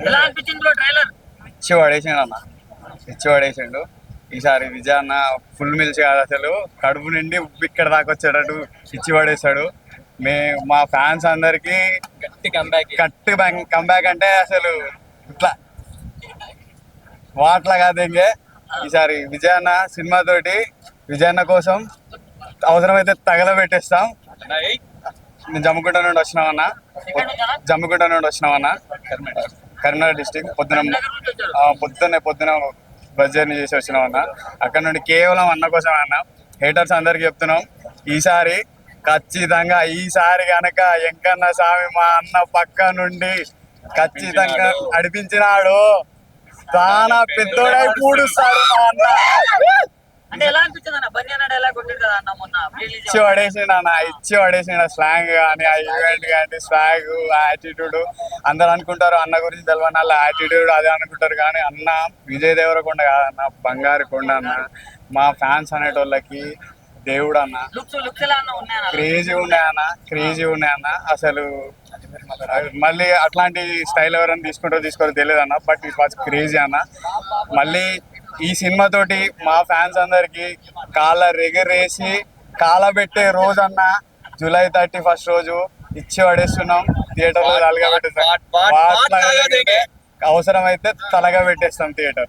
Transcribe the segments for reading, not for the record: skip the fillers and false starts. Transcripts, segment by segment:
ఎలా అనిపించింది bro trailer? ఇచ్చి పడేసిండు అన్న, ఇచ్చి పడేసిండు. ఈసారి విజయ్ అన్న ఫుల్ మిల్స్ కాదు, అసలు కడుపు నిండి ఉప్పు ఇక్కడ దాకా వచ్చేటట్టు ఇచ్చి పడేస్తాడు. మా ఫ్యాన్స్ అందరికి కంబ్యాక్ అంటే అసలు ఇట్లా వాట్లా కాదు ఇంకే. ఈసారి విజయ్ అన్న సినిమా తోటి విజయ్ అన్న కోసం అవసరమైతే తగలబెట్టేస్తాం. నేను జమ్మికుంట నుండి వచ్చినామన్నా, జమ్మికుంట నుండి వచ్చినామన్నా, కరీంనగర్ డిస్టిక్. పొద్దున బస్ జర్నీ చేసి వచ్చినామన్నా. అక్కడ నుండి కేవలం అన్న కోసం అన్న. హేటర్స్ అందరికి చెప్తున్నాం, ఈసారి ఖచ్చితంగా ఈసారి కనుక ఎంకన్న స్వామి మా అన్న పక్క నుండి ఖచ్చితంగా నడిపించినాడు, చాలా పెద్దోడై పూడుస్తాడు మా అన్న. అంటే ఎలా అనిపించింది అన్న? బన్నీ అన్న డైలాగ్ కొట్టాడు కదా అన్న మొన్న ఇచ్చి పడేసిండు అన్న, ఇచ్చి పడేసిండు. స్లాంగ్ కానీ, ఆ ఈవెంట్ కానీ, స్వాగ్, యాటిట్యూడ్. అందరు అనుకుంటారు అన్న గురించి తెలియని వాళ్ళ యాటిట్యూడ్ అదే అనుకుంటారు, కానీ అన్న విజయ్ దేవరకొండ కాదన్న, బంగారు కొండ అన్న. మా ఫ్యాన్స్ అనేటోళ్ళకి దేవుడు అన్న. క్రేజీ ఉన్నాయన్న అసలు. మళ్ళీ అట్లాంటి స్టైల్ ఎవరైనా తీసుకోరో తెలియదు అన్న, బట్ ఇట్ వాజ్ క్రేజీ అన్న. మళ్ళీ ఈ సినిమా తోటి మా ఫ్యాన్స్ అందరికి కాళ్ళ రెగరేసి కాలబెట్టే రోజు అన్న జూలై 31 రోజు ఇచ్చి పడేస్తున్నాం. థియేటర్ లో తలగా పెట్టేస్తాం, అవసరమైతే తలగా పెట్టేస్తాం థియేటర్.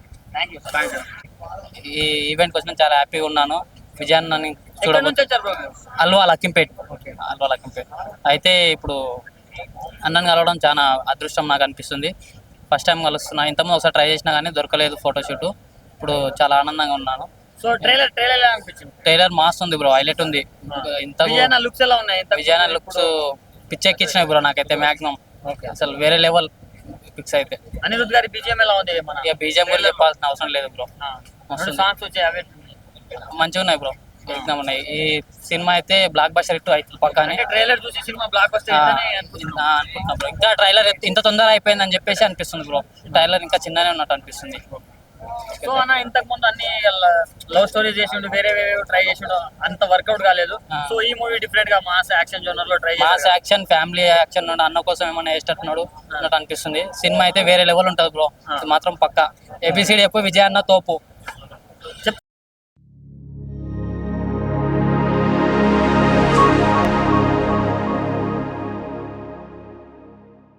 ఈ ఈవెంట్ కోసం చాలా హ్యాపీగా ఉన్నాను. విజయాన్ని అల్వా లక్కింపేట్ అయితే ఇప్పుడు అన్నని కలవడం చాలా అదృష్టం నాకు అనిపిస్తుంది. ఫస్ట్ టైం కలుస్తున్నా. ఇంతకుముందు ఒకసారి ట్రై చేసినా కానీ దొరకలేదు ఫోటోషూట్. ఇప్పుడు చాలా ఆనందంగా ఉన్నాను. సో ట్రైలర్ మాస్ ఉంది బ్రో, హైలైట్ ఉంది. ఇంత లుక్స్ ఎలా ఉన్నాయి? విజయాన లుక్స్ పిచ్చెక్కిచ్చినాయి బ్రో నాకైతే. మాక్సిమం అసలు వేరే లెవెల్ పిక్స్ అయితే. అనిరుద్ గారి బీజిఎం ఎలా ఉంది? ఇక బీజిఎం కూడా చెప్పాల్సిన అవసరం లేదు బ్రో. సాంగ్స్ వచ్చాయి, అవే మంచిగా ఉన్నాయి బ్రో, ఎగ్జామ్ ఉన్నాయి. ఈ సినిమా అయితే బ్లాక్ బస్టర్ హిట్ అవుతుంది పక్కానే. ట్రైలర్ చూసి సినిమా బ్లాక్ బస్టర్ అనుకుంటున్నా బ్రో. ఇంకా ట్రైలర్ ఇంత తొందర అయిపోయిందని చెప్పేసి అనిపిస్తుంది బ్రో. ట్రైలర్ ఇంకా చిన్ననే ఉన్నట్టు అనిపిస్తుంది. సో అన్న ఇంతకు ముందు అన్ని లవ్ స్టోరీస్ చేసిండు, వేరే ట్రై చేసిండు, అంత వర్కౌట్ కాలేదు. సో ఈ మూవీ డిఫరెంట్ గా మాస్ యాక్షన్ జోనర్ లో ట్రై చేసి, మాస్ యాక్షన్ ఫ్యామిలీ యాక్షన్ అన్న కోసం ఏమన్నా వేసేటట్టున్నాడు అన్నట్టు అనిపిస్తుంది. సినిమా అయితే వేరే లెవెల్ ఉంటుంది బ్రో, మాత్రం పక్కా. ఏబిసిడి ఎప్పుడు విజయ్ అన్న తోపు.